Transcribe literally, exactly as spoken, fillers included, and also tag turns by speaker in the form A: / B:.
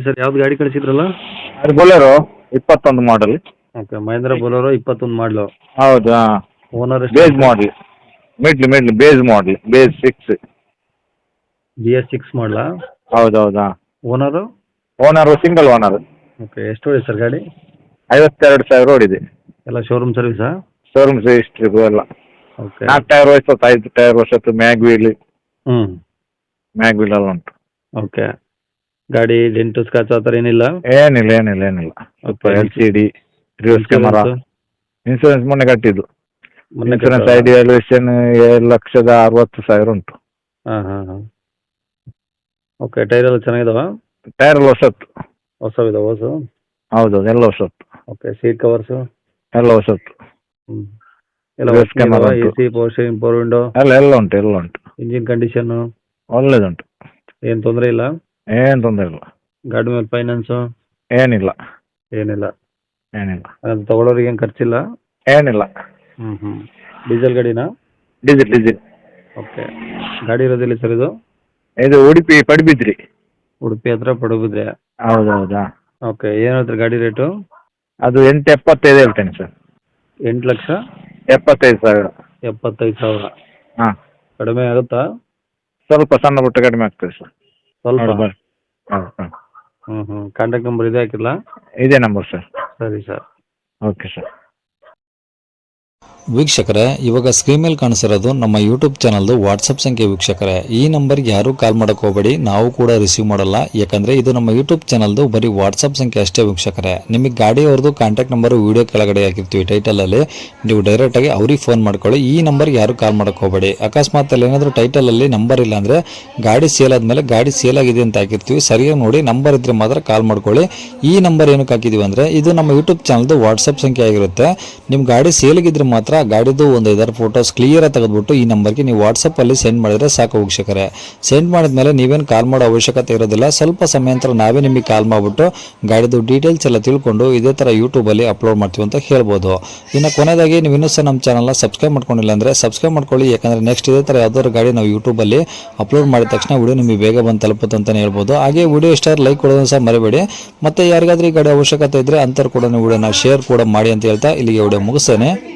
A: Sir ಯಾವ್ದು ಗಾಡಿ ಕಳಿಸಿದ್ರಲ್ಲ?
B: ಅದು ಬೊಲೆರೋ ಇಪ್ಪತ್ತೊಂದು ಮಾಡಲ್.
A: ಓಕೆ, ಮಹೇಂದ್ರ ಬೊಲೋರೋ ಇಪ್ಪತ್ತೊಂದು ಮಾಡಲು.
B: ಹೌದು, ಹಾಂ.
A: Owner
B: base model, middle middle base model, base six.
A: B S six ಮಾಡಲಾ?
B: ಹೌದು ಹೌದು, ಹಾಂ.
A: Owner?
B: Owner single owner.
A: Okay, ಎಷ್ಟು ಹೊಡಿ ಸರ್ ಗಾಡಿ?
B: ಐವತ್ತೆರಡು ಸಾವಿರ ಓಡಿದೆ.
A: ಎಲ್ಲ ಶೋರೂಮ್ ಸರ್ವಿಸಾ?
B: ಶೋರೂಮ್ ಹಿಸ್ಟ್ರಿಗೂ ಎಲ್ಲ.
A: ಓಕೆ.
B: ನಾಲ್ಕು ಟೈರ್ ವರ್ಷತ್ತು, ಐದು ಟೈರ್ ವರ್ಷತ್ತು, ಮ್ಯಾಗ್ ವೀಲ್
A: ಹ್ಞೂ
B: ಮ್ಯಾಗ್ ವೀಲ್ ಎಲ್ಲ ಉಂಟು.
A: ಓಕೆ. ಗಾಡಿ ಡೆಂಟು ಸ್ಕ್ರಾಚ್ ಆ ಥರ ಏನಿಲ್ಲ?
B: ಏನಿಲ್ಲ ಏನಿಲ್ಲ ಏನಿಲ್ಲ. ಸ್ವಲ್ಪ
A: Okay.
B: L C D, reverse camera, insurance ಮೊನ್ನೆ ಕಟ್ಟಿದ್ದು.
A: ಮೊನ್ನೆ
B: ಇನ್ಸೂರೆನ್ಸ್
A: ಕಟ್ಟಿದ್ರಾ?
B: ಐಡಿ ವ್ಯಾಲ್ಯೂಯೇಷನ್ ಏಳು ಲಕ್ಷದ ಅರವತ್ತು ಸಾವಿರ ಉಂಟು.
A: ಹಾಂ ಹಾಂ ಹಾಂ. ಓಕೆ, ಟೈರ್ ಎಲ್ಲ ಚೆನ್ನಾಗಿದಾವ?
B: ಟೈರ್ ಎಲ್ಲ ಹೊಸತ್ತು.
A: ಹೊಸವಿದಾವ ಹೊಸ?
B: ಹೌದೌದು, ಎಲ್ಲ ಹೊಸತ್ತು.
A: Okay, seat covers?
B: ಎಲ್ಲ ಹೊಸತ್ತು.
A: ಹ್ಞೂ ಎಲ್ಲ
B: Reverse camera
A: ಎ
B: ಉಂಟು.
A: C, power steering, power window?
B: ಎಲ್ಲ ಎಲ್ಲ ಉಂಟು, ಎಲ್ಲ ಉಂಟು.
A: ಇಂಜಿನ್ ಕಂಡೀಷನ್ನು
B: ಒಳ್ಳೇದುಂಟು,
A: ಏನು ತೊಂದರೆ ಇಲ್ಲ?
B: ಏನು ತೊಂದರೆ ಇಲ್ಲ.
A: ಗಾಡಿ ಮೇಲೆ ಫೈನಾನ್ಸು
B: ಏನಿಲ್ಲ
A: ಏನಿಲ್ಲ?
B: ಏನಿಲ್ಲ
A: ಅದು ತಗೊಳ್ಳೋರಿಗೆ ಏನು ಖರ್ಚಿಲ್ಲ?
B: ಏನಿಲ್ಲ.
A: ಹ್ಞೂ ಹ್ಞೂ. ಡೀಸೆಲ್ ಗಾಡಿನಾ?
B: Diesel diesel.
A: ಓಕೆ. ಗಾಡಿ ಇರೋದಿಲ್ಲ ಸರ್ ಇದು?
B: ಇದು ಉಡುಪಿ ಪಡುಬಿದ್ರಿ.
A: ಉಡುಪಿ ಹತ್ರ ಪಡುಬಿದ್ರೆ?
B: ಹೌದು ಹೌದಾ.
A: ಓಕೆ, ಏನು ಹೇಳ್ತೀರಿ ಗಾಡಿ ರೇಟು?
B: ಅದು ಎಂಟು ಎಪ್ಪತ್ತೈದು ಹೇಳ್ತೇನೆ ಸರ್.
A: ಎಂಟು ಲಕ್ಷ
B: ಎಪ್ಪತ್ತೈದು ಸಾವಿರ.
A: ಎಪ್ಪತ್ತೈದು ಸಾವಿರ?
B: ಹಾಂ,
A: ಕಡಿಮೆ ಆಗುತ್ತಾ?
B: ಸ್ವಲ್ಪ ಸಣ್ಣ ಪುಟ್ಟ ಕಡಿಮೆ ಆಗ್ತದೆ ಸರ್.
A: ಸ್ವಲ್ಪ?
B: ನೋಡಿ ಬರ್ರಿ. ಹೌದು ಹಾಂ,
A: ಹ್ಞೂ ಹ್ಞೂ. ಕಾಂಟ್ಯಾಕ್ಟ್ ನಂಬರ್ ಇದೆ ಹಾಕಿಲ್ಲ?
B: ಇದೇ ನಂಬರ್ ಸರ್.
A: ಸರಿ ಸರ್.
B: Okay sir.
C: ವೀಕ್ಷಕರೇ, ಇವಾಗ ಸ್ಕ್ರೀನ್ ಮೇಲೆ ಕಾಣಿಸಿರೋದು ನಮ್ಮ ಯೂಟ್ಯೂಬ್ ಚಾನಲ್ದು ವಾಟ್ಸಪ್ ಸಂಖ್ಯೆ. ವೀಕ್ಷಕರೇ, ಈ ನಂಬರ್ಗೆ ಯಾರೂ ಕಾಲ್ ಮಾಡೋಕೆ ಹೋಗಬೇಡಿ, ನಾವು ಕೂಡ ರಿಸೀವ್ ಮಾಡಲ್ಲ. ಯಾಕಂದರೆ ಇದು ನಮ್ಮ ಯೂಟ್ಯೂಬ್ ಚಾನಲ್ದು ಬರೀ ವಾಟ್ಸಪ್ ಸಂಖ್ಯೆ ಅಷ್ಟೇ. ವೀಕ್ಷಕರೇ, ನಿಮಗೆ ಗಾಡಿಯವ್ರದ್ದು ಕಾಂಟ್ಯಾಕ್ಟ್ ನಂಬರು ವೀಡಿಯೋ ಕೆಳಗಡೆ ಹಾಕಿರ್ತೀವಿ ಟೈಟಲಲ್ಲಿ, ನೀವು ಡೈರೆಕ್ಟಾಗಿ ಅವ್ರಿಗೆ ಫೋನ್ ಮಾಡ್ಕೊಳ್ಳಿ. ಈ ನಂಬರ್ಗೆ ಯಾರೂ ಕಾಲ್ ಮಾಡೋಕೆ ಹೋಗಬೇಡಿ. ಅಕಸ್ಮಾತ್ ಅಲ್ಲಿ ಏನಾದರೂ ಟೈಟಲಲ್ಲಿ ನಂಬರ್ ಇಲ್ಲ ಅಂದರೆ ಗಾಡಿ ಸೇಲ್ ಆದಮೇಲೆ ಗಾಡಿ ಸೇಲ್ ಆಗಿದೆ ಅಂತ ಹಾಕಿರ್ತೀವಿ, ಸರಿಯಾಗಿ ನೋಡಿ ನಂಬರ್ ಇದ್ದರೆ ಮಾತ್ರ ಕಾಲ್ ಮಾಡ್ಕೊಳ್ಳಿ. ಈ ನಂಬರ್ ಏನಕ್ಕೆ ಹಾಕಿದ್ದೀವಿ ಅಂದರೆ ಇದು ನಮ್ಮ ಯೂಟ್ಯೂಬ್ ಚಾನಲ್ದು ವಾಟ್ಸಪ್ ಸಂಖ್ಯೆ ಆಗಿರುತ್ತೆ. ನಿಮ್ಮ ಗಾಡಿ ಸೇಲಿಗಿದ್ರೆ ಮಾತ್ರ ಗಾಡಿದು ಒಂದು ಐದಾರು ಫೋಟೋಸ್ ಕ್ಲಿಯರಾಗಿ ತೆಗೆದುಬಿಟ್ಟು ಈ ನಂಬರ್ಗೆ ನೀವು ವಾಟ್ಸಪ್ಪಲ್ಲಿ ಸೆಂಡ್ ಮಾಡಿದರೆ ಸಾಕು. ವೀಕ್ಷಕರೇ, ಸೆಂಡ್ ಮಾಡಿದ್ಮೇಲೆ ನೀವೇನು ಕಾಲ್ ಮಾಡೋ ಅವಶ್ಯಕತೆ ಇರೋದಿಲ್ಲ. ಸ್ವಲ್ಪ ಸಮಯ ನಂತರ ನಾವೇ ನಿಮಗೆ ಕಾಲ್ ಮಾಡಿಬಿಟ್ಟು ಗಾಡಿದು ಡೀಟೇಲ್ಸ್ ಎಲ್ಲ ತಿಳ್ಕೊಂಡು ಇದೇ ಥರ ಯೂಟ್ಯೂಬಲ್ಲಿ ಅಪ್ಲೋಡ್ ಮಾಡ್ತೀವಿ ಅಂತ ಹೇಳ್ಬೋದು. ಇನ್ನು ಕೊನೆಯದಾಗಿ ನೀವು ಇನ್ನೂ ಸಹ ನಮ್ಮ ಚಾನಲ್ನ ಸಬ್ಸ್ಕ್ರೈಬ್ ಮಾಡ್ಕೊಂಡಿಲ್ಲ ಅಂದರೆ ಸಬ್ಸ್ಕ್ರೈಬ್ ಮಾಡ್ಕೊಳ್ಳಿ. ಯಾಕಂದರೆ ನೆಕ್ಸ್ಟ್ ಇದೇ ಥರ ಯಾವ್ದಾದ್ರು ಗಾಡಿ ನಾವು ಯೂಟ್ಯೂಬಲ್ಲಿ ಅಪ್ಲೋಡ್ ಮಾಡಿದ ತಕ್ಷಣ ವಿಡಿಯೋ ನಿಮಗೆ ಬೇಗ ಬಂದು ತಲುಪುತ್ತೆ ಅಂತಲೇ ಹೇಳ್ಬೋದು. ಹಾಗೆ ವಿಡಿಯೋ ಇಷ್ಟ ಲೈಕ್ ಕೊಡೋದನ್ನು ಸಹ ಮರಿಬೇಡಿ. ಮತ್ತು ಯಾರಿಗಾದ್ರೂ ಈ ಗಾಡಿ ಅವಶ್ಯಕತೆ ಇದ್ದರೆ ಅಂಥವ್ರು ಕೂಡ ವಿಡಿಯೋನ ಶೇರ್ ಕೂಡ ಮಾಡಿ ಅಂತ ಹೇಳ್ತಾ ಇಲ್ಲಿಗೆ ವಿಡಿಯೋ ಮುಗಿಸ್ತೇನೆ.